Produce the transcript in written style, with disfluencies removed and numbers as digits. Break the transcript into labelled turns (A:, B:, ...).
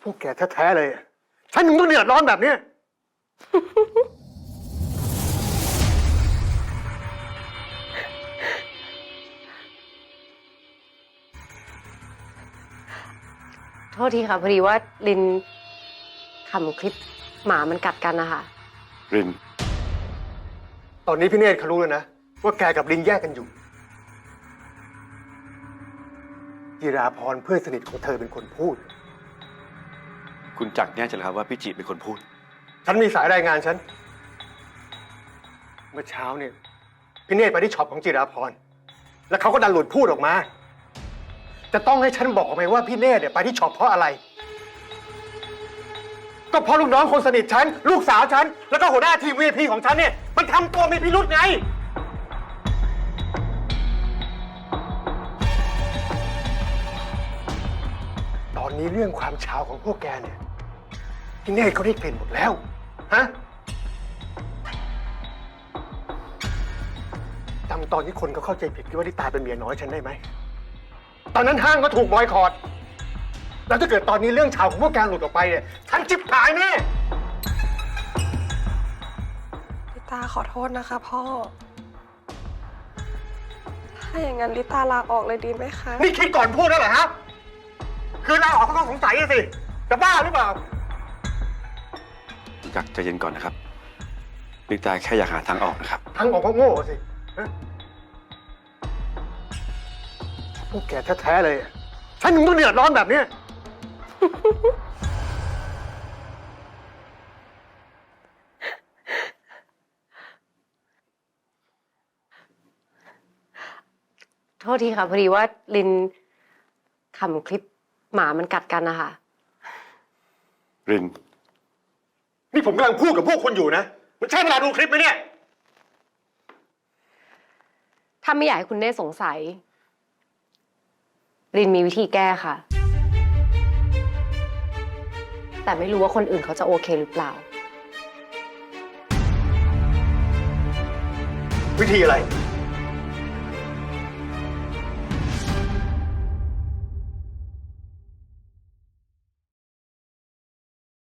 A: วกแกแท้ๆเลยฉันถึงต้องเดือดร้อนแบบนี้
B: โทษทีค่ะพอดีว่าลินขำคลิปหมามันกัดกันนะคะ
C: ริน
A: ตอนนี้พี่เนตรเขารู้แล้วนะว่าแกกับลิงแยกกันอยู่จิราพรเพื่อนสนิทของเธอเป็นคนพูด
C: คุณจักรแน่ใจเหรอครับว่าพี่จิเป็นคนพูด
A: ฉันมีสายรายงานฉัน เมื่อเช้าเนี่ยพี่เนตรไปที่ช็อปของจิราพรแล้วเขาก็ดันหลุดพูดออกมา จะต้องให้ฉันบอกไหมว่าพี่เนตรเนี่ยไปที่ช็อปเพราะอะไร ก็เพราะลูกน้องคนสนิทฉันลูกสาวฉันแล้วก็หัวหน้าทีม VIP ของฉันเนี่ยมันทำตัวมีพิรุธไง ตอนนี้เรื่องความเช้าของพวกแกเนี่ยพี่เนตรเขาได้กลิ่นหมดแล้วฮะจำตอนที่คนเขาเข้าใจผิดคิดว่าลิตาเป็นเมียน้อยฉันได้ไหมตอนนั้นห้างก็ถูกบอยคอตแล้วถ้าเกิดตอนนี้เรื่องเช้าของพวกแกหลุดออกไปเนี่ยฉันจิบหายแน่
D: ลิตาขอโทษนะคะพ่อ ถ้าอย่างนั้นลิตาลาออกเลยดีไหมคะ
A: นี่คิดก่อนพูดแล้วเหรอฮะคือลาออกก็ต้องสงสัยสิจะบ้าหรือเปล่า
C: คุณจักรใจเย็นก่อนนะครับลิตาแค่อยากหาทางออกนะครับ
A: ทั้งออกก็โง่สิฮะพวกแกแท้ๆเลยฉันถึงต้องเดือดร้อนแบบนี้
B: โทษทีค่ะพอดีว่าลินขำคลิปหมามันกัดกันนะคะ
C: ริน
A: นี่ผมกำลังพูดกับพวกคุณอยู่นะ มันใช่เวลาดูคลิปไหมเนี่ย
B: ถ้าไม่อยากให้คุณเน่สงสัยลินมีวิธีแก้ค่ะ แต่ไม่รู้ว่าคนอื่นเขาจะโอเคหรือเปล่า
A: วิธีอะไร